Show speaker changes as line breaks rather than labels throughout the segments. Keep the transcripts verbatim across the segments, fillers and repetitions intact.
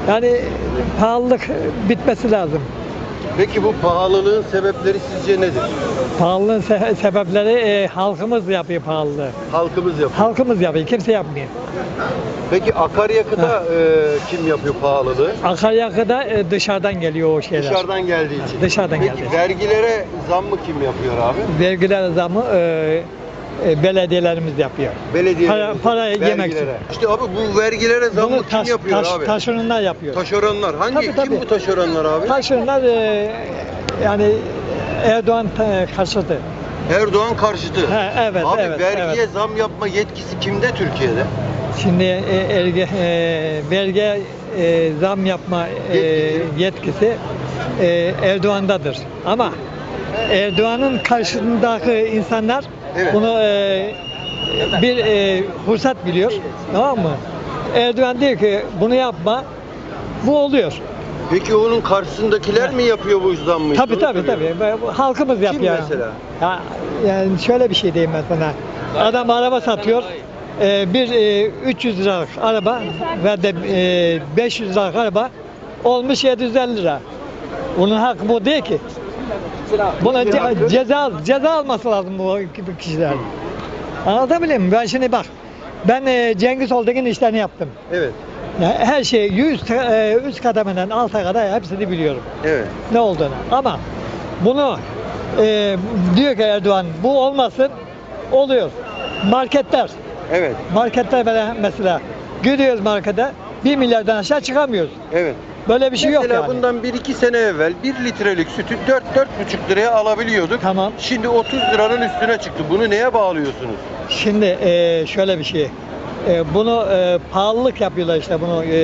Yani pahalılık bitmesi lazım.
Peki bu pahalılığın sebepleri sizce nedir?
Pahalılığın se- sebepleri e, halkımız yapıyor pahalılığı.
Halkımız yapıyor.
Halkımız yapıyor, kimse yapmıyor.
Peki akaryakıta e, kim yapıyor pahalılığı?
Akaryakıda e, dışarıdan geliyor o şeyler.
Dışarıdan geldiği için.
Dışarıdan
Peki
geldi.
vergilere zam mı kim yapıyor abi?
Vergiler zamı e, e, belediyelerimiz yapıyor.
Belediye.
Para- para yemek için.
İşte abi bu vergilere zam mı
Bunu
kim
taş,
yapıyor
taş,
abi?
taşeronlar yapıyor.
Taşeronlar. Hangi
Tabii,
kim
tabii.
bu taşeronlar abi?
Taşeronlar e, yani Erdoğan e, karşıtı.
Erdoğan karşıtı.
Ha, evet,
Abi
evet,
vergiye
evet.
zam yapma yetkisi kimde Türkiye'de?
Şimdi e, erge, e, vergi e, zam yapma e, yetkisi e, Erdoğan'dadır. Ama Erdoğan'ın karşısındaki insanlar
Evet.
bunu e, bir e, fırsat biliyor. Tamam mı? Erdoğan diyor ki bunu yapma. Bu oluyor.
Peki onun karşısındakiler mi yapıyor bu zammı?
Tabii
Onu
tabii
soruyorum.
tabii. Bu halkımız yapıyor.
mesela?
Ya, yani şöyle bir şey diyeyim ben sana. Adam araba satıyor. Ee, bir e, üç yüz liralık araba ve de e, beş yüz liralık araba olmuş yedi yüz elli lira. Bunun hakkı bu değil ki. Buna ce- ceza ceza alması lazım bu gibi kişiler. Anlatabiliyor muyum? Ben şimdi bak. Ben e, Cengiz Oltekin işlerini yaptım.
Evet.
Yani her şeyi yüz e, üst kademeden alta kadar hepsini biliyorum.
Evet.
Ne olduğunu. Ama bunu e, diyor ki Erdoğan bu olmasın, oluyor. Marketler,
Evet.
marketler böyle mesela gidiyoruz markete bir milyardan aşağı çıkamıyoruz.
Evet.
Böyle bir şey
Mesela
yok yani.
bundan bir iki sene evvel bir litrelik sütü dört dört buçuk liraya alabiliyorduk.
Tamam.
Şimdi otuz liranın üstüne çıktı. Bunu neye bağlıyorsunuz?
Şimdi e, şöyle bir şey. E, bunu e, pahalılık yapıyorlar işte bunu. E,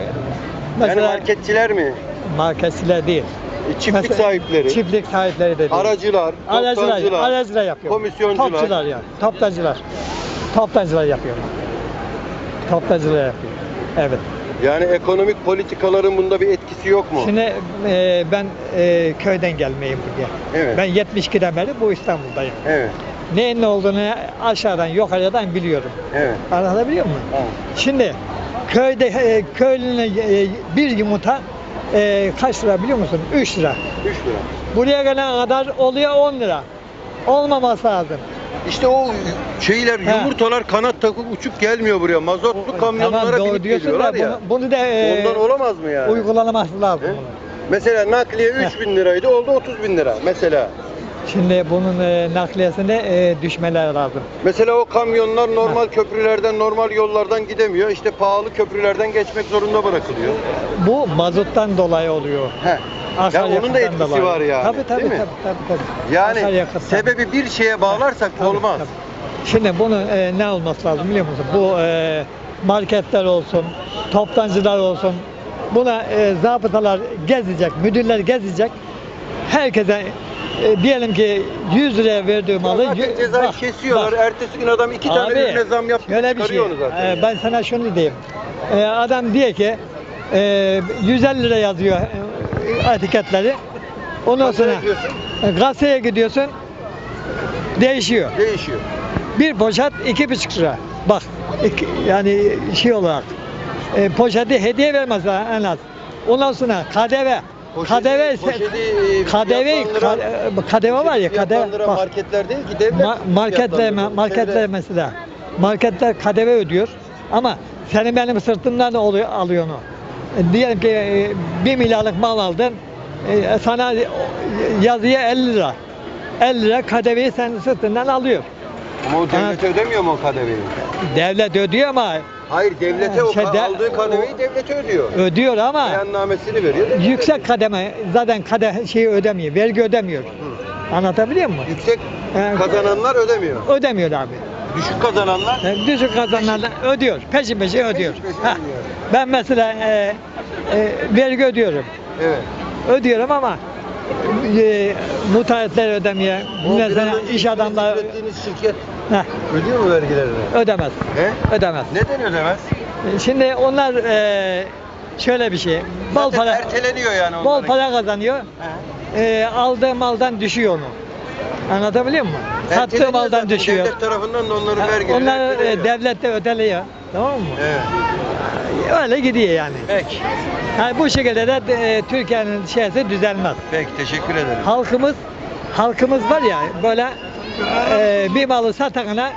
Yani marketçiler mi?
marketçiler değil.
E, Çiftlik
Mesela
sahipleri,
Çiftlik sahipleri de değil.
aracılar,
Aracılar,
toptancılar,
aracılar yapıyor.
komisyoncular.
Topçular yani. Toptancılar. Toptancılar yapıyor. Toptancılar yapıyor. Evet.
Yani ekonomik politikaların bunda bir etkisi yok mu?
Şimdi e, ben e, köyden gelmeyeyim buraya.
Evet.
Ben yetmiş ikiden beri bu İstanbul'dayım.
Evet.
Neyin ne olduğunu aşağıdan yukarıdan biliyorum.
Evet.
Anlatabiliyor muyum?
Tamam.
Şimdi köyde e, köylüne e, bir yumurta e, kaç lira biliyor musun? üç lira.
üç lira.
Buraya gelene kadar oluyor on lira. Olmaması lazım.
İşte o şeyler,
He.
yumurtalar kanat takıp uçup gelmiyor buraya. Mazotlu kamyonlara
Tamam, doğru
binip
diyorsun da
geliyorlar ya.
bunu, bunu da e,
Ondan olamaz mı yani?
uygulaması lazım.
He?
bunun.
Mesela nakliye üç bin liraydı, oldu otuz bin lira mesela.
Şimdi bunun e, nakliyesine e, düşmeler lazım.
Mesela o kamyonlar normal köprülerden, normal yollardan gidemiyor. İşte pahalı köprülerden geçmek zorunda bırakılıyor.
Bu mazottan dolayı oluyor.
He. Ya
Akaryakıttan
onun da etkisi
dolayı.
var yani.
Tabii tabii
değil mi?
tabii tabii. tabii.
Yani
Akaryakıttan.
sebebi bir şeye bağlarsak
Tabii,
olmaz.
tabii. Şimdi bunu e, ne olması lazım biliyor musun? Bu e, marketler olsun, toptancılar olsun. Buna e, zabıtalar gezecek, müdürler gezecek. Herkese e, diyelim ki yüz liraya verdiği malı
Ya zaten
yü-
cezayı
bak,
kesiyorlar.
bak.
Ertesi gün adam iki tane
Abi,
ürüne zam yaptı.
şöyle bir şey.
çıkarıyor onu zaten.
e, ben sana şunu diyeyim. E, adam diyor ki e, yüz elli lira yazıyor e, etiketleri. Ondan
Kaça
sonra
yapıyorsun?
e, gazeteye gidiyorsun. Değişiyor.
Değişiyor.
Bir poşet iki buçuk lira. Bak iki- yani şey olarak e, poşeti hediye vermezler en az. Ondan sonra K D V.
Poşeti-
K D V
poşeti,
K D V
fiyatlandıran-
K D V var ya K D V.
Fiyatlandıran
Bak,
marketler değil ki devlet.
ma- marketler
fiyatlandırıyor.
marketler
Devlet.
mesela. Marketler K D V ödüyor ama senin benim sırtımdan da oluyor alıyor onu. E, diyelim ki e, bir milyarlık mal aldın. E, sana yazıya elli lira. elli lira K D V'yi senin sırtından alıyor.
Ama o devlet ödemiyor mu o K D V'yi?
Devlet ödüyor ama
Hayır, devlete o
Şey,
ka-
de-
aldığı K D V'yi
o-
devlete ödüyor.
ödüyor ama
Beyannamesini veriyor. devlet
yüksek
ödüyor.
kademe zaten kade şeyi ödemiyor, vergi ödemiyor.
Hı.
Anlatabiliyor muyum?
Yüksek
Ee,
kazananlar ödemiyor.
Ödemiyor abi.
Düşük kazananlar
Yani düşük kazananlar ödüyor, peşin peşin ödüyor.
peşin peşin
Ha,
ödüyor.
ben mesela e, e, vergi ödüyorum,
Evet.
ödüyorum ama e, müteahhitler ödemiyor,
O
mesela
biraz önce
iş adamları
ürettiğiniz şirket
heh,
ödüyor mu vergilerini?
ödemez,
He?
ödemez.
Neden ödemez?
E, Şimdi onlar e, şöyle bir şey, bol
Zaten
para,
erteleniyor yani
bol
onların.
para kazanıyor.
He.
e, aldığı maldan düşüyor onu. Anlatabiliyor muyum? Sattığı
Erteleniyor
maldan
zaten.
düşüyor.
Devlet tarafından da onların
Ha,
vergileri
Onlar e,
erteleniyor.
devlet de ödeliyor. Tamam mı?
Evet.
Öyle gidiyor yani.
Peki.
Yani bu şekilde de e, Türkiye'nin şeysi düzelmez.
Peki teşekkür ederim.
Halkımız halkımız var ya böyle e, bir malı satana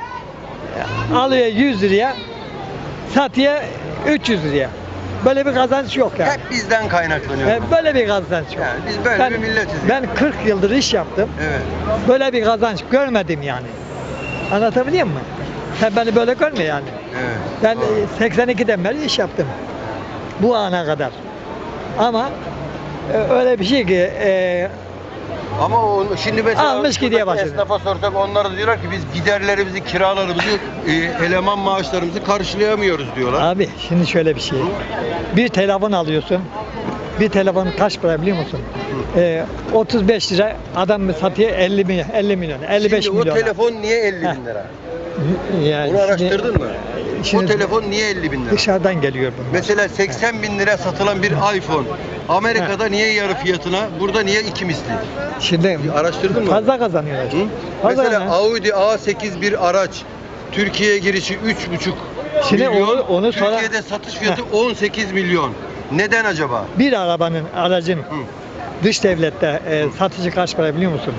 e, alıyor yüz liraya, satıyor üç yüz liraya. Böyle bir kazanç yok yani.
Hep bizden kaynaklanıyor.
E, böyle bir kazanç yok.
Yani biz böyle
ben,
bir milletiz.
Ben kırk yıldır iş yaptım.
Evet.
Böyle bir kazanç görmedim yani. Anlatabiliyor muyum? Sen beni böyle görme yani.
Evet.
Ben
Doğru.
e, seksen ikiden beri iş yaptım. Bu ana kadar. Ama e, öyle bir şey ki e,
Ama o, şimdi mesela
Almış gidiyor
şuradaki
başını.
esnafa sorsak onlar da diyorlar ki biz giderlerimizi, kiralarımızı, e, eleman maaşlarımızı karşılayamıyoruz diyorlar.
abi şimdi şöyle bir şey. Bir telefon alıyorsun. Bir telefon kaç para biliyor musun? E, otuz beş lira adam satıyor elli milyon, elli milyon, elli beş
Şimdi
milyon.
o telefon niye elli
Heh.
bin lira?
Yani
Bunu
şimdi-
araştırdın mı?
şimdi
o telefon niye elli bin lira?
dışarıdan geliyor bunlar.
Mesela seksen bin lira satılan bir iPhone Amerika'da niye yarı fiyatına, burada niye iki misli?
Şimdi
Araştırdın mı?
fazla kazanıyorlar.
Hı?
Fazla
Mesela
yani.
Audi A sekiz bir araç Türkiye'ye girişi üç buçuk
Şimdi
milyon,
onu- onu sonra-
Türkiye'de satış fiyatı on sekiz milyon. Neden acaba?
Bir arabanın, aracın
Hı.
dış devlette e, satıcı kaç para biliyor musun?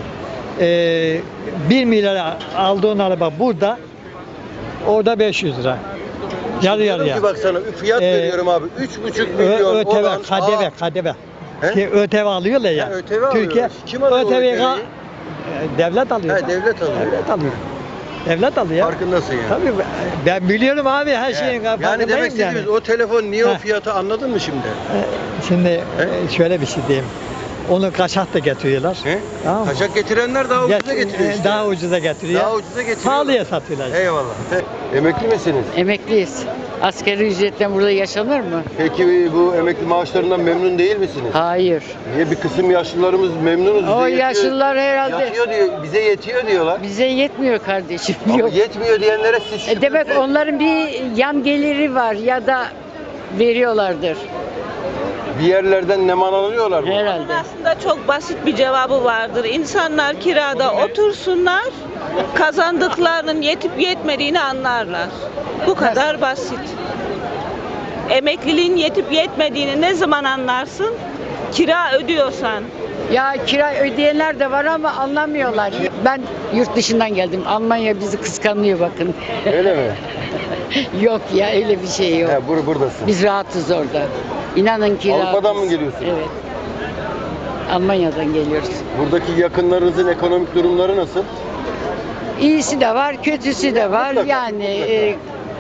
E, bir milyara aldığın araba burada, orada beş yüz lira. Yarı
Diyorum
yarıya.
ki bak sana fiyat
Ee,
veriyorum abi. üç buçuk
Ö-
milyon
ÖTV,
olan
K D V,
A-
K D V.
He?
Şey, ÖTV alıyorlar ya.
Ha, ÖTV alıyor.
Türkiye
Kim alıyor o
ÖTV'yi
ÖTV'yi?
e, devlet alıyor.
He, devlet alıyor.
Devlet alıyor. Devlet alıyor.
Farkındasın yani.
Tabii ben biliyorum abi her
Yani,
şeyin
yani
farkındayım
demek istediğimiz o telefon niye o
Heh.
fiyatı anladın mı şimdi?
E, Şimdi e, şöyle bir şey diyeyim. Onu kaçak da getiriyorlar.
He?
Tamam mı?
Kaçak getirenler daha ucuza
Get-
getiriyor
e,
işte.
Daha ucuza getiriyor.
Daha ucuza getiriyor.
Pahalıya satıyorlar.
Eyvallah. Emekli misiniz?
Emekliyiz. Asgari ücretten burada yaşanır mı?
Peki bu emekli maaşlarından memnun değil misiniz?
Hayır.
Niye bir kısım yaşlılarımız memnunuz? bize
O
yetiyor-
yaşlılar herhalde
Yatıyor diyor, bize yetiyor diyorlar.
bize yetmiyor kardeşim.
Ama
Yok.
yetmiyor diyenlere siz
E demek
şükür-
onların bir yan geliri var ya da veriyorlardır
bir yerlerden neman alıyorlar mı?
herhalde.
Aslında çok basit bir cevabı vardır. İnsanlar kirada otursunlar, kazandıklarının yetip yetmediğini anlarlar. Bu kadar basit. Emekliliğin yetip yetmediğini ne zaman anlarsın? Kira ödüyorsan.
Ya kira ödeyenler de var ama anlamıyorlar. Ben yurt dışından geldim. Almanya bizi kıskanıyor bakın.
Öyle mi?
Yok ya öyle bir şey yok.
He, bur buradasın.
Biz rahatız orada. İnanın ki
Avrupa'dan
rahatız.
mı geliyorsun?
Evet. Almanya'dan geliyoruz.
Buradaki yakınlarınızın ekonomik durumları nasıl?
İyisi de var, kötüsü de var.
Mutlaka,
Yani
mutlaka.
e,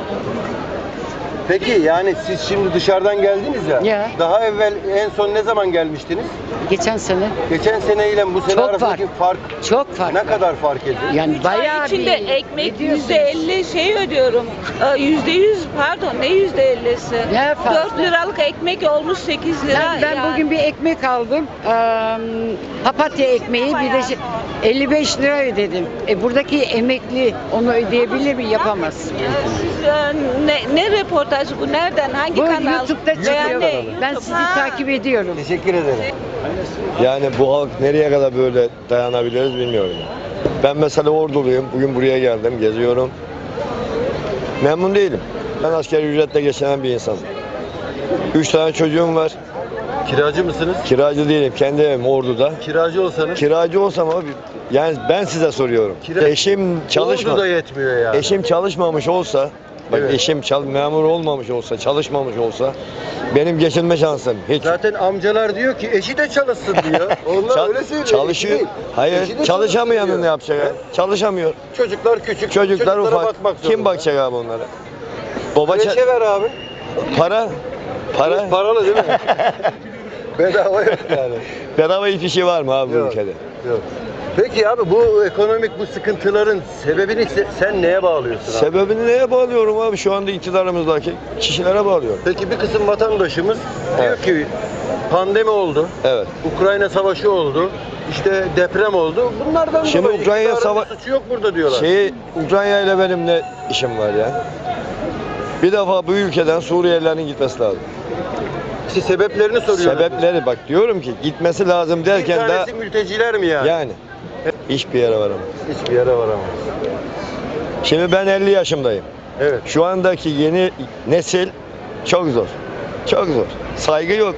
Peki yani siz şimdi dışarıdan geldiniz ya.
Ya.
Daha evvel en son ne zaman gelmiştiniz?
geçen sene
Geçen sene ile bu sene
Çok
arasındaki
var.
fark
çok farklı.
ne kadar fark ediyor?
Yani bayağı
İçinde
bir
ekmek
ediyorsunuz.
yüzde elli şey ödüyorum. Ee, Yüzde yüz pardon ne yüzde ellisi?
Ne fazla?
Dört liralık ekmek olmuş sekiz lira.
Ben, ben
yani.
bugün bir ekmek aldım. Eee, papatya ekmeği bir de şey- elli beş lira ödedim. E buradaki emekli onu ödeyebilir mi? Yapamaz.
Siz e, ne, ne reportajı bu? Nereden? Hangi
Bu
kanal?
YouTube'da çıkıyor.
Yani
Ben
YouTube.
sizi
Ha.
takip ediyorum.
Teşekkür ederim.
Yani bu halk nereye kadar böyle dayanabiliriz bilmiyorum. Ben mesela Orduluyum. Bugün buraya geldim, geziyorum. Memnun değilim. Ben asgari ücretle geçinen bir insanım. Üç tane çocuğum var.
Kiracı mısınız?
Kiracı değilim. Kendi evim Ordu'da.
Kiracı olsanız
Kiracı olsam abi, yani ben size soruyorum.
Kira-
Eşim çalışma.
Ordu da yetmiyor yani.
Eşim çalışmamış olsa, bak
Evet.
eşim çal memur olmamış olsa, çalışmamış olsa benim geçinme şansım hiç.
Zaten amcalar diyor ki eşi de çalışsın diyor. Onlar
Çal-
öyle söylüyor.
çalışıyor.
Eşi değil.
Hayır,
Eşi de
çalışamayanın
çalışsın
ne
diyor.
yapacak? Çalışamıyor.
Çocuklar küçük.
Çocuklar
çocuklara
ufak.
bakmak
Kim
zorunda.
bakacak abi onlara? Baba ça-
Kreşe ver abi.
para, para,
Paralı değil mi? Bedava yok yani.
bedava hiçbir şey var mı abi bu
Yok,
ülkede?
yok. Peki abi bu ekonomik bu sıkıntıların sebebini se- sen neye bağlıyorsun abi?
Sebebini neye bağlıyorum abi? Şu anda iktidarımızdaki kişilere bağlıyorum.
Peki bir kısım vatandaşımız diyor
Evet.
ki pandemi oldu,
Evet.
Ukrayna savaşı oldu, işte deprem oldu. Bunlardan
Şimdi
dolayı
Ukrayna
iktidarın
sava-
bir suçu yok burada diyorlar.
Şeyi, Ukrayna ile benim ne işim var ya? Bir defa bu ülkeden Suriyelilerin gitmesi lazım.
İşte sebeplerini soruyorlar.
Sebepleri bak diyorum ki gitmesi lazım
Bir
derken de
tanesi mülteciler mi yani?
yani hiçbir yere varamam.
Hiçbir yere varamaz.
Şimdi ben elli yaşındayım.
Evet.
Şu andaki yeni nesil Çok zor. Çok zor. Saygı yok.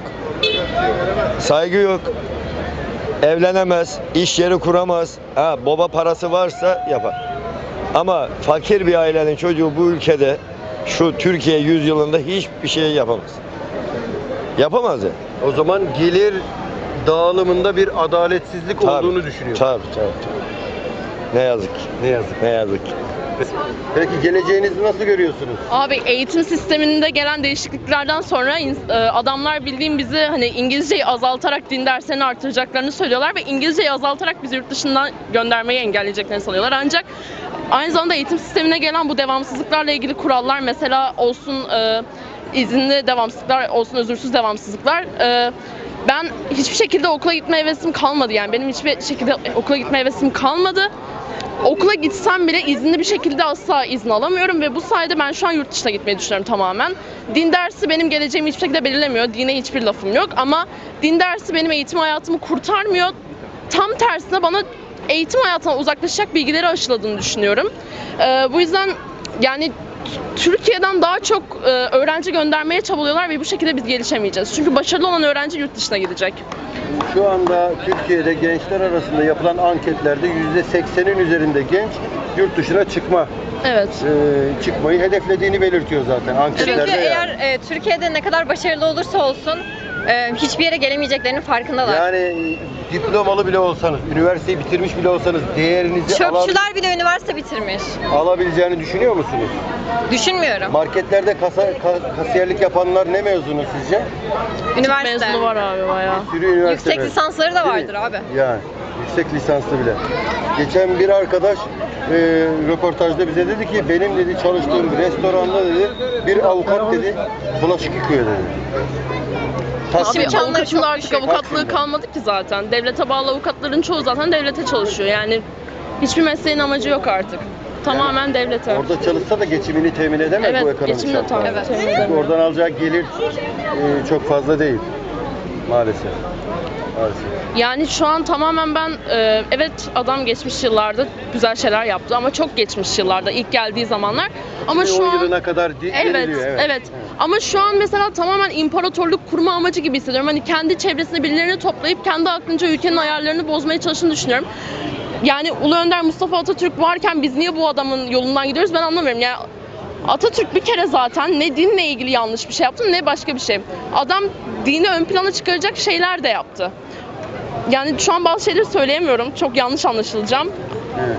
Saygı yok. Evlenemez, iş yeri kuramaz. Ha, baba parası varsa yapar. Ama fakir bir ailenin çocuğu bu ülkede şu Türkiye yüzyılında hiçbir şey yapamaz. Yapamaz ya.
O zaman gelir dağılımında bir adaletsizlik olduğunu düşünüyorum.
Tabii, tabii, tabii. Ne yazık ki.
Ne yazık.
Ne yazık ki.
Peki geleceğinizi nasıl görüyorsunuz?
Abi eğitim sisteminde gelen değişikliklerden sonra ins- e, adamlar bildiğim bizi hani İngilizceyi azaltarak din derslerini artıracaklarını söylüyorlar ve İngilizceyi azaltarak bizi yurt dışından göndermeyi engelleyeceklerini sanıyorlar. Ancak aynı zamanda eğitim sistemine gelen bu devamsızlıklarla ilgili kurallar mesela olsun e, izinli devamsızlıklar olsun özürsüz devamsızlıklar e, ben hiçbir şekilde okula gitme hevesim kalmadı yani benim hiçbir şekilde okula gitme hevesim kalmadı. Okula gitsem bile izinli bir şekilde asla izin alamıyorum ve bu sayede ben şu an yurt dışına gitmeyi düşünüyorum tamamen. Din dersi benim geleceğimi hiçbir şekilde belirlemiyor. Dine hiçbir lafım yok ama din dersi benim eğitim hayatımı kurtarmıyor. Tam tersine bana eğitim hayatına uzaklaşacak bilgileri aşıladığını düşünüyorum. Ee, bu yüzden yani Türkiye'den daha çok e, öğrenci göndermeye çabalıyorlar ve bu şekilde biz gelişemeyeceğiz. Çünkü başarılı olan öğrenci yurt dışına gidecek.
Şu anda Türkiye'de gençler arasında yapılan anketlerde yüzde seksenin üzerinde genç yurt dışına çıkma
Evet.
e, çıkmayı hedeflediğini belirtiyor zaten anketlerde.
Çünkü eğer
yani.
e, Türkiye'de ne kadar başarılı olursa olsun e, hiçbir yere gelemeyeceklerinin farkındalar.
Yani diplomalı bile olsanız, üniversiteyi bitirmiş bile olsanız değerinizi alan-
Çöpçüler bile üniversite bitirmiş.
alabileceğini düşünüyor musunuz?
Düşünmüyorum.
Marketlerde kasa, ka- kasiyerlik yapanlar ne mezunu sizce?
Üniversite.
Mezunu var abi bayağı.
Bir sürü üniversite
Yüksek
mezunu.
lisansları da
Değil mi?
vardır abi.
Yani yüksek lisanslı bile. Geçen bir arkadaş e, röportajda bize dedi ki benim dedi çalıştığım restoranda dedi bir avukat dedi bulaşık yıkıyor dedi.
Abi
İşim imkanları
avukatın
çok
artık
düşük.
avukatlığı
Bak şimdi.
kalmadı ki zaten. Devlete bağlı avukatların çoğu zaten devlete çalışıyor. Yani hiçbir mesleğin amacı yok artık. Tamamen devlete.
Orada çalışsa da geçimini temin edemez
Evet,
bu ekonomik
geçimini
şartlarda.
tabii temin
Çünkü
edemiyor.
oradan alacağı gelir e, çok fazla değil. Maalesef. Maalesef.
Yani şu an tamamen ben e, evet adam geçmiş yıllarda güzel şeyler yaptı ama çok geçmiş yıllarda ilk geldiği zamanlar. Ama şu
on
an
yılına kadar di-
Evet,
deniliyor,
evet, Ama şu an mesela tamamen imparatorluk kurma amacı gibi hissediyorum. Hani kendi çevresinde birilerini toplayıp kendi aklınca ülkenin ayarlarını bozmaya çalıştığını düşünüyorum. Yani Ulu Önder Mustafa Atatürk varken biz niye bu adamın yolundan gidiyoruz ben anlamıyorum. Yani Atatürk bir kere zaten ne dinle ilgili yanlış bir şey yaptı ne başka bir şey. Adam dini ön plana çıkaracak şeyler de yaptı. Yani şu an bazı şeyleri söyleyemiyorum. Çok yanlış anlaşılacağım.
Evet.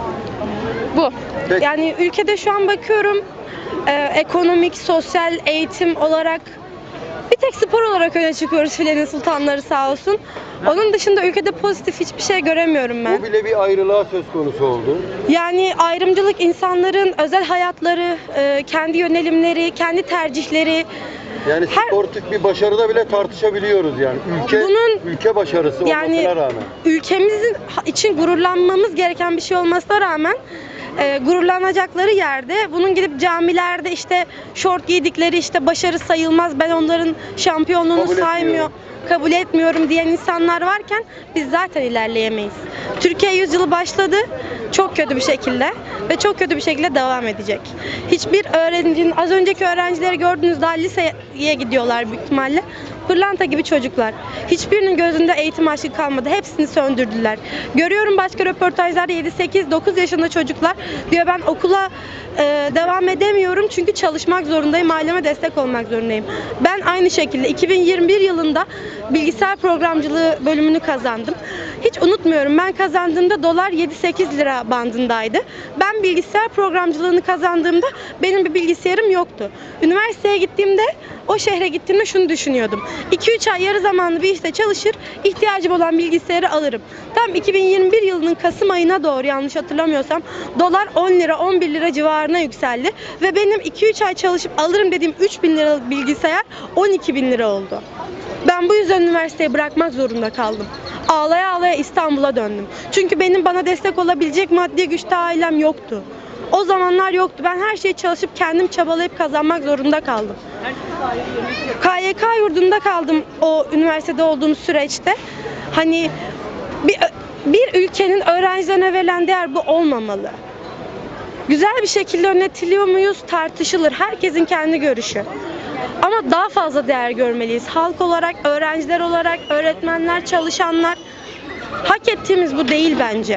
Bu.
Peki.
Yani ülkede şu an bakıyorum e, ekonomik, sosyal, eğitim olarak bir tek spor olarak öne çıkıyoruz filenin sultanları sağ olsun. Onun dışında ülkede pozitif hiçbir şey göremiyorum ben.
Bu bile bir ayrılığa söz konusu oldu.
Yani ayrımcılık insanların özel hayatları, e, kendi yönelimleri, kendi tercihleri.
Yani
Her-
sportif bir başarıda bile tartışabiliyoruz yani. Ülke
Bunun-
ülke başarısı
Yani
olmasına rağmen.
ülkemizin ha- için gururlanmamız gereken bir şey olmasına rağmen e, gururlanacakları yerde bunun gidip camilerde işte şort giydikleri işte başarı sayılmaz ben onların şampiyonluğunu
Kabul
saymıyor
etmiyorum.
kabul etmiyorum diyen insanlar varken biz zaten ilerleyemeyiz. Türkiye yüzyılı başladı çok kötü bir şekilde ve çok kötü bir şekilde devam edecek. Hiçbir öğrencinin az önceki öğrencileri gördüğünüz daha liseye gidiyorlar büyük ihtimalle. Pırlanta gibi çocuklar. Hiçbirinin gözünde eğitim aşkı kalmadı. Hepsini söndürdüler. Görüyorum başka röportajlarda yedi sekiz dokuz yaşında çocuklar diyor ben okula e, devam edemiyorum çünkü çalışmak zorundayım, aileme destek olmak zorundayım. Ben aynı şekilde iki bin yirmi bir yılında bilgisayar programcılığı bölümünü kazandım. Hiç unutmuyorum ben kazandığımda dolar yedi sekiz lira bandındaydı. Ben bilgisayar programcılığını kazandığımda benim bir bilgisayarım yoktu. Üniversiteye gittiğimde o şehre gittiğimde şunu düşünüyordum. iki üç ay yarı zamanlı bir işte çalışır, ihtiyacım olan bilgisayarı alırım. Tam iki bin yirmi bir yılının Kasım ayına doğru yanlış hatırlamıyorsam dolar on lira on bir lira civarına yükseldi. Ve benim iki üç ay çalışıp alırım dediğim üç bin liralık bilgisayar on iki bin lira oldu. Ben bu yüzden üniversiteyi bırakmak zorunda kaldım. Ağlaya ağlaya İstanbul'a döndüm. Çünkü benim bana destek olabilecek maddi güçte ailem yoktu. O zamanlar yoktu. Ben her şeyi çalışıp kendim çabalayıp kazanmak zorunda kaldım. K Y K yurdunda kaldım o üniversitede olduğum süreçte. Hani bir, bir ülkenin öğrencilerine verilen değer bu olmamalı. Güzel bir şekilde yönetiliyor muyuz tartışılır. Herkesin kendi görüşü. Ama daha fazla değer görmeliyiz. Halk olarak, öğrenciler olarak, öğretmenler, çalışanlar. Hak ettiğimiz bu değil bence.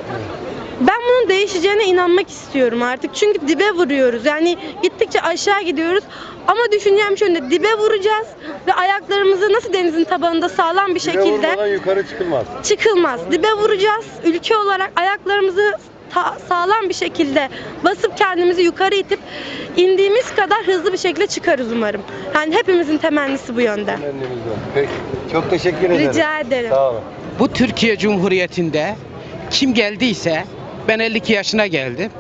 Ben bunun değişeceğine inanmak istiyorum artık. Çünkü dibe vuruyoruz. Yani gittikçe aşağı gidiyoruz. Ama düşüncem şöyle, dibe vuracağız ve ayaklarımızı nasıl denizin tabanında sağlam bir
Dibe
şekilde
vurmadan yukarı çıkılmaz.
çıkılmaz. Dibe vuracağız. Ülke olarak ayaklarımızı ta- sağlam bir şekilde basıp kendimizi yukarı itip indiğimiz kadar hızlı bir şekilde çıkarız umarım. Yani hepimizin temennisi bu yönde.
Peki. Çok teşekkür ederim.
Rica ederim.
Sağ olun.
Bu Türkiye Cumhuriyeti'nde kim geldiyse, ben elli iki yaşına geldim.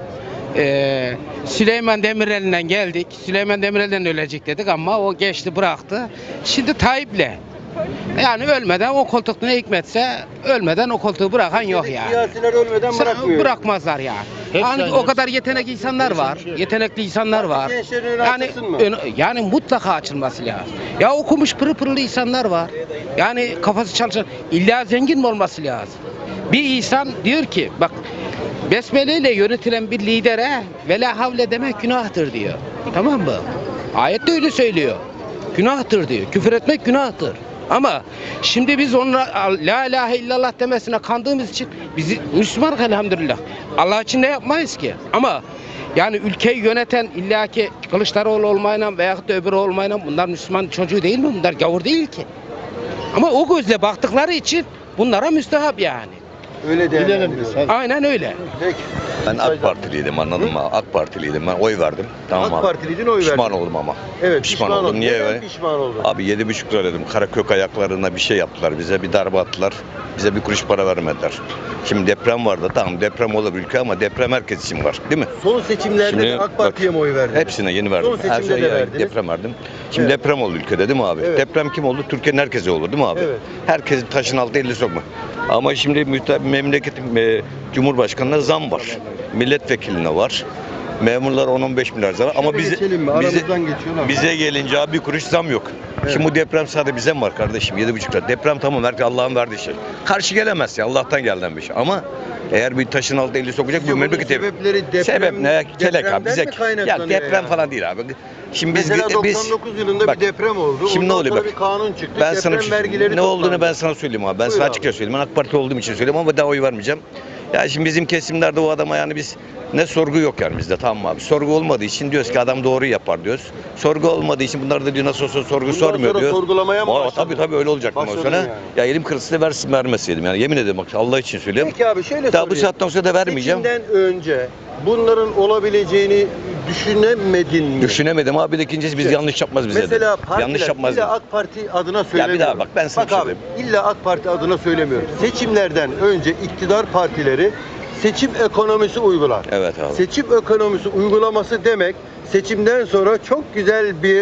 Ee, Süleyman Demirel'den geldik. Süleyman Demirel'den ölecek dedik ama o geçti bıraktı. Şimdi Tayyip'le. Yani ölmeden o koltuk ne hikmetse ölmeden o koltuğu bırakan yok yani.
Siyasiler ölmeden
Sen-
bırakmıyor.
Bırakmazlar ya. Yani o kadar yetenekli insanlar var. Yetenekli insanlar var.
Gençlerin önü
Yani
açılsın mı?
ön- yani mutlaka açılması lazım. Ya okumuş pırıl pırıl insanlar var. Yani kafası çalışan, illa zengin mi olması lazım? Bir insan diyor ki bak, besmele ile yönetilen bir lidere vela havle demek günahtır diyor. Tamam mı? Ayette öyle söylüyor. Günahtır diyor. Küfür etmek günahtır. Ama şimdi biz onunla la ilahe illallah demesine kandığımız için bizi Müslüman elhamdülillah. Allah için ne yapmayız ki? Ama yani ülkeyi yöneten illaki Kılıçdaroğlu olmayla veyahut da öbürü olmayla bunlar Müslüman çocuğu değil mi? Bunlar gavur değil ki. Ama o gözle baktıkları için bunlara müstehap yani.
Öyle değerlendiriyoruz.
Aynen öyle.
Peki.
Ben AK Partiliydim, anladın mı? AK Partiliydim, ben oy verdim. Tamam
AK
abi.
Partiliydin, oy verdin.
Pişman oldum ama.
Evet,
pişman,
pişman
oldum.
oldun.
Niye?
Neden
öyle?
pişman oldun?
Abi yedi buçuk lira dedim. Karakök ayaklarına bir şey yaptılar bize. Bir darbe attılar. Bize bir kuruş para vermediler. Şimdi deprem vardı. Tamam deprem olur ülke ama deprem herkes için var. Değil mi?
Son seçimlerde
Şimdi
de AK
bak,
Parti'ye mi oy verdin?
Hepsine yeni verdim.
Son seçimde
Her şeye
de verdiniz.
deprem verdim. Şimdi
Evet.
deprem oldu ülkede değil mi abi?
Evet.
Deprem kim oldu? Türkiye'nin herkese oldu değil mi abi?
Evet.
Herkesin taşın altı elini sokma. Ama şimdi müte- memleketin e, Cumhurbaşkanı'na zam var. Milletvekiline var. Memurlar on on beş milyar zarar ama
Şöyle
bize
geçelim mi?
bize,
Aramızdan geçiyorlar.
bize gelince abi bir kuruş zam yok.
Evet.
Şimdi bu deprem sadece bize mi var kardeşim? Yedi buçuk lira. Deprem tamam herkes Allah'ın verdiği şey. Karşı gelemez ya Allah'tan gelen bir şey. Ama eğer bir taşın altı eli sokacak
Sizce
bu
bunun
memleketi.
sebepleri deprem-
Sebep ne? Kelek abi.
depremden
Bize
mi kaynaklanıyor
ya deprem
yani?
falan değil abi. Şimdi biz
Mesela
biz
doksan dokuz yılında
bak,
bir deprem oldu.
Şimdi ne
Ondan
oluyor
sonra
bak.
bir kanun çıktı.
Ben
deprem
sana bir şey
vergileri
söyleyeyim. Ne olduğunu
toplandı.
ben sana söyleyeyim abi. Ben
Buyur
sana
abi.
açıkça söyleyeyim. Ben AK Parti olduğum için söylüyorum ama daha oy vermeyeceğim. Ya şimdi bizim kesimlerde o adama yani biz ne sorgu yok yani bizde, tamam mı abi? Sorgu olmadığı için diyoruz ki adam doğru yapar diyoruz. Sorgu olmadığı için bunlar da diyor nasıl olsa sorgu
Bundan
sormuyor
sonra
diyor.
sorgulamaya mı
Aa,
başladın?
tabii tabii öyle olacak bundan
Başladın
sonra.
yani.
Ya elim kırılsa da versin vermeseydim yani yemin ederim bak Allah için söylüyorum.
Peki abi şöyle
Daha bu
sorayım.
saatten sonra da vermeyeceğim.
Seçimden önce bunların olabileceğini düşünemedin mi?
Düşünemedim abi de ikincisi biz
İşte,
yanlış yapmaz bize
Mesela
de.
partiler
Yanlış yapmaz.
illa
dedi.
AK Parti adına söylemiyorum.
daha bak, ben sana
Bak
bir şey
abi, illa AK Parti adına söylemiyorum. Seçimlerden önce iktidar partileri seçim ekonomisi uygular.
Evet abi.
Seçim ekonomisi uygulaması demek seçimden sonra çok güzel bir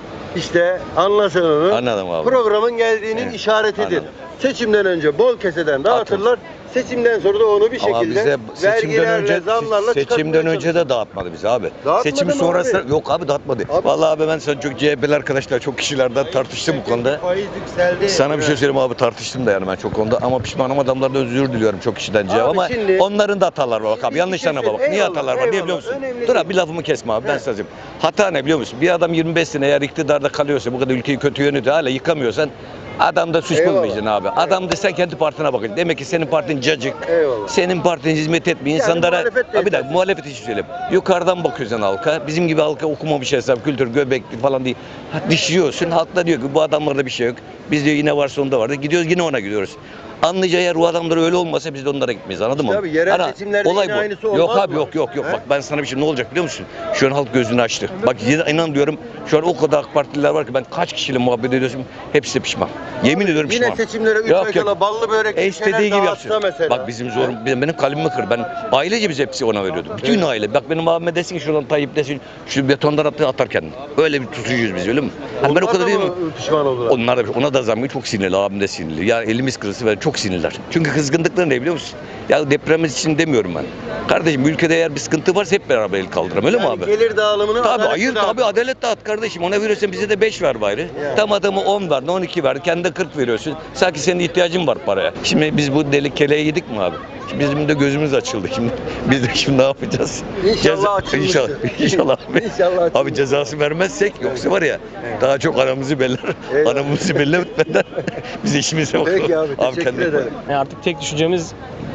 işte anlaşılanın
Anladım abi.
programın geldiğinin
Evet,
işaretidir.
anladım.
Seçimden önce bol keseden dağıtırlar. Seçimden sonra da onu bir
Ama
şekilde
bize seçimden
vergilerle,
önce
zamlarla
seçimden
çıkartmaya
önce de dağıtmadı bizi abi.
Dağıtmadı
Seçim
mı
sonrası
abi?
yok abi dağıtmadı.
Abi-
Vallahi abi ben sana çok C H P'li arkadaşlar çok kişilerden tartıştım bu konuda.
Faiz yükseldi.
Sana bir şey söyleyeyim abi tartıştım da yani ben çok konuda ama pişmanım adamlardan özür diliyorum çok kişiden cevap
Abi
ama
şimdi-
onların da hatalar var bak abi
Bir
yanlışlarına
şey
bak. Niye
eyvallah,
hatalar var niye
eyvallah.
biliyor musun?
Önemli
Dur
değil.
abi bir lafımı kesme abi ben
He.
sana söyleyeyim. Hata ne biliyor musun? Bir adam yirmi beş sene eğer iktidarda kalıyorsa bu kadar ülkeyi kötü yönetiyor hala yıkamıyorsan adamda suç
Eyvallah.
bulmayacaksın abi. Adam da sen kendi partine bakacaksın. Demek ki senin partin cacık.
Eyvallah.
Senin partin hizmet etmiyor.
Yani
İnsanlara
muhalefet de
bir dakika
yetersiz.
muhalefet için söyleyeyim. Yukarıdan bakıyorsun halka. Bizim gibi halka okumamış hesap, kültür, göbekli falan değil. Ha, dişliyorsun. Halk da diyor ki bu adamlarda bir şey yok. Biz diyor yine varsa onda vardı. Gidiyoruz yine ona gidiyoruz. Anlayacağı eğer o adamlar öyle olmasa biz de onlara gitmeyiz anladın
İşte
mı?
abi, yerel
Ana,
seçimlerde
olay
yine
bu.
aynısı
Yok
olmaz
abi
mı?
yok yok yok.
He?
Bak ben sana bir şey ne olacak biliyor musun? Şu an halk gözünü açtı. Bak inan diyorum şu an o kadar AK Partililer var ki ben kaç kişiyle muhabbet ediyorsam hepsi de pişman. Yemin ediyorum
Yine
pişman.
seçimlere üç
Yok,
ay
yok.
kala ballı börek
E
bir
istediği
şeyler
gibi
dağıtsa
yapsın.
mesela.
Bak bizim zorum, benim, benim kalbimi kır. Ben ailece biz hepsi ona veriyorduk. Bütün aile. Bak benim abime desin ki şuradan Tayyip desin şu betondan attı atar kendini. Öyle bir tutucuyuz biz öyle mi? Hani ben o
Onlar
kadar
da
değil
mı
mi?
pişman oldular?
Onlar da ona da zammı çok sinirli abim de sinirli. Yani elimiz kırılsı ve çok sinirler. Çünkü kızgınlıkları ne biliyor musun? Ya depremiz için demiyorum ben. Kardeşim ülkede eğer bir sıkıntı varsa hep beraber el kaldıralım öyle mi
Yani
abi?
gelir dağılımını
Tabii
adaletli
hayır
dağıt.
tabii adalet dağıt kardeşim. Ona veriyorsan bize de beş ver bari.
Yani.
Tam adamı on ver, on iki ver. Kendi kırk veriyorsun. Sanki senin ihtiyacın var paraya. Şimdi biz bu deli keleği yedik mi abi? Şimdi bizim de gözümüz açıldı şimdi. Biz de şimdi ne yapacağız?
İnşallah açılmıştır.
İnşallah. İnşallah.
İnşallah
Abi
açılmıştır.
cezası vermezsek yoksa var ya
Evet.
daha çok aramızı beller.
Eyvallah.
Aramızı bellemeden biz işimize bakalım.
Peki abi, teşekkür
kendine bak.
ederim.
Yani artık tek düşüncemiz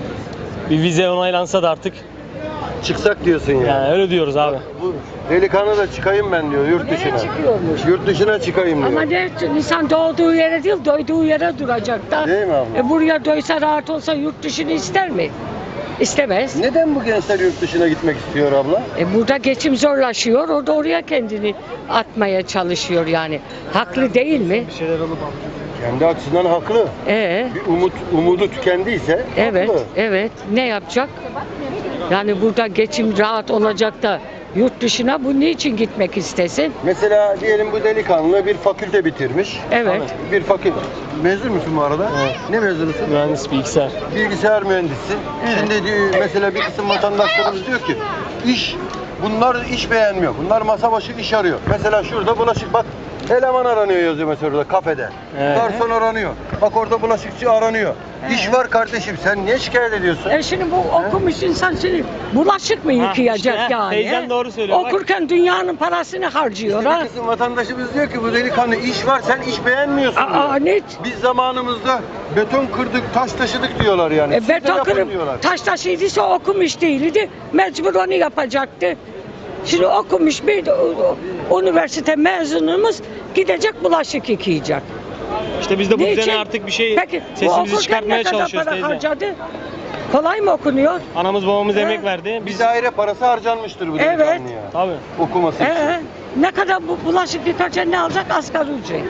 bir vize onaylansa da artık,
Çıksak diyorsun yani.
yani öyle diyoruz abi.
Bu delikanlı da çıkayım ben diyor yurt dışına.
çıkıyormuş?
Yurt dışına çıkayım diyor.
Ama ne, insan doğduğu yere değil, doyduğu yere duracak da.
Değil mi abla?
E buraya doysa, rahat olsa yurt dışını ister mi? İstemez.
Neden bu gençler yurt dışına gitmek istiyor abla?
E burada geçim zorlaşıyor, o da oraya kendini atmaya çalışıyor yani. Haklı değil mi?
Kendi açısından haklı.
Ee,
Bir umut umudu tükendiyse
evet,
haklı.
evet. Ne yapacak? Yani burada geçim rahat olacak da yurt dışına bu niçin gitmek istesin?
Mesela diyelim bu delikanlı bir fakülte bitirmiş.
Evet.
Bir fakülte. Mezun musun bu arada?
Evet.
Ne mezunusun?
Mühendis bilgisayar.
Bilgisayar mühendisi.
Evet.
Şimdi diyor, mesela bir kısım vatandaşlarımız diyor ki iş bunlar iş beğenmiyor. Bunlar masa başı iş arıyor. Mesela şurada bulaşık bak eleman aranıyor yazıyor mesela orada kafede.
Evet.
Garson aranıyor. Bak orada bulaşıkçı aranıyor. İş var kardeşim. Sen niye şikayet ediyorsun?
E şimdi bu okumuş insan şimdi bulaşık mı yıkayacak
işte,
yani?
teyzem
he?
doğru söylüyor, bak.
Okurken dünyanın parasını harcıyor
İşte
ha.
bir kısım vatandaşımız diyor ki bu delikanlı iş var sen iş beğenmiyorsun
Aa,
diyor.
ne?
Biz zamanımızda beton kırdık, taş taşıdık diyorlar yani.
E,
Siz de
beton
yapın
kırıp
diyorlar.
taş taşıydıysa okumuş değildi. Mecbur onu yapacaktı. Şimdi okumuş bir de, o- o- üniversite mezunumuz gidecek bulaşık yıkayacak.
İşte biz de bu
Niçin?
düzene artık bir şey
Peki, bu
sesimizi
okurken
çıkartmaya
ne kadar
çalışıyoruz
para
teyze.
harcadı? Kolay mı okunuyor?
Anamız babamız
He.
emek verdi.
Bir
Biz
daire parası harcanmıştır bu
Evet.
delikanlıya.
tabii.
Okuması için.
Ee, ne kadar bu bulaşık yıkarken ne alacak? Asgari ücret.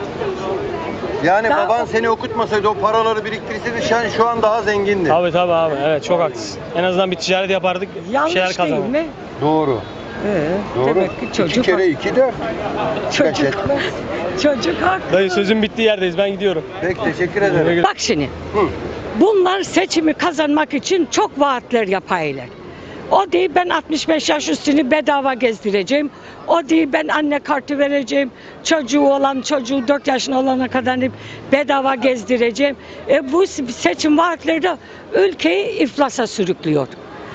Yani
Daha-
baban seni okutmasaydı o paraları biriktirseydi sen şu an daha zengindin.
Tabii tabii abi. Evet çok haklısın. En azından bir ticaret yapardık. bir
Yanlış
şeyler
değil
kazanırdık.
mi?
Doğru.
Ee,
Doğru.
Demek ki çocuk
iki kere iki dört.
çocuk,
etmez.
çocuk haklı.
Dayı sözün bittiği yerdeyiz. Ben gidiyorum.
Peki teşekkür ederim.
Bak şimdi,
Hı.
bunlar seçimi kazanmak için çok vaatler yapaylar. O değil ben altmış beş yaş üstünü bedava gezdireceğim. O değil ben anne kartı vereceğim. Çocuğu olan çocuğu dört yaşında olana kadar bedava gezdireceğim. E bu seçim vaatleri de ülkeyi iflasa sürüklüyor.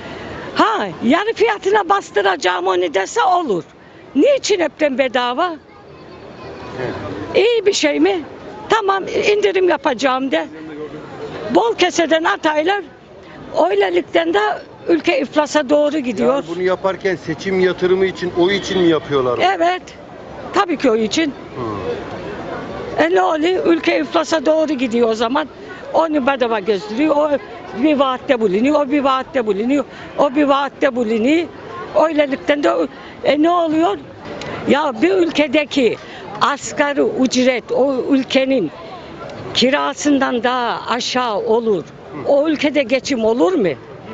Ha yarı fiyatına bastıracağım onu dese olur. Niçin hepten bedava?
Evet.
İyi bir şey mi? Tamam indirim yapacağım de. Bol keseden ataylar. Öylelikten de ülke iflasa doğru gidiyor.
Yani bunu yaparken seçim yatırımı için, oy için mi yapıyorlar?
Evet. Tabii ki o için.
Hı.
E ne oluyor? Ülke iflasa doğru gidiyor o zaman. Onu bedava gösteriyor. O bir vaatte bulunuyor. O bir vaatte bulunuyor. O bir vaatte bulunuyor. Öylelikten de e ne oluyor? Ya bir ülkedeki asgari ücret o ülkenin kirasından daha aşağı olur. O ülkede geçim olur mu?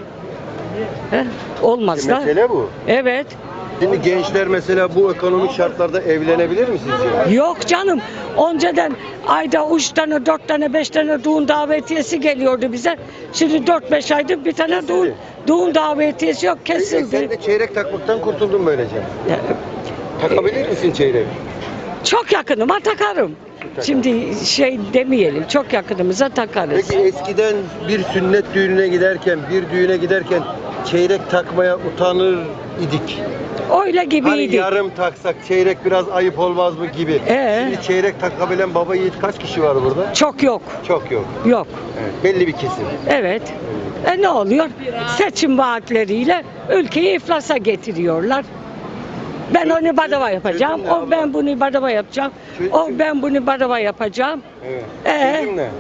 He? Olmaz
E,
da.
mesele bu.
Evet.
Şimdi gençler mesela bu ekonomik şartlarda evlenebilir mi sizce?
Yok canım. Önceden ayda üç tane, dört tane, beş tane düğün davetiyesi geliyordu bize. Şimdi dört beş aydır bir tane
Kesildi.
düğün, düğün davetiyesi yok,
E, sen
kesildi.
de çeyrek takmaktan kurtuldun böylece.
Ya,
Takabilir misin çeyrek?
Çok yakınıma takarım. Şimdi şey demeyelim, çok yakınımıza takarız.
Peki eskiden bir sünnet düğününe giderken, bir düğüne giderken çeyrek takmaya utanır idik.
Öyle
Hani
gibiydi.
yarım taksak çeyrek biraz ayıp olmaz mı gibi.
Ee?
Şimdi çeyrek takabilen baba yiğit kaç kişi var burada?
Çok yok,
Çok yok.
yok.
Evet, belli bir kesim.
Evet. E ne oluyor? Seçim vaatleriyle ülkeyi iflasa getiriyorlar. Ben onu bedava yapacağım.
Çözüm ne
O
abla?
ben bunu bedava yapacağım. O ben bunu bedava yapacağım.
Evet.
Ee?
Çözüm ne?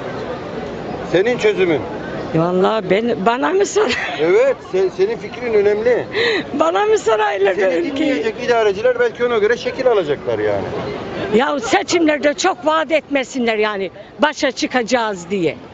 Senin çözümün.
Vallahi ben bana mı sor?
Evet, se- senin fikrin önemli.
Bana mı soraylar
Seni
ülkeyi?
dinleyecek idareciler belki ona göre şekil alacaklar yani.
Ya seçimlerde çok vaat etmesinler yani başa çıkacağız diye.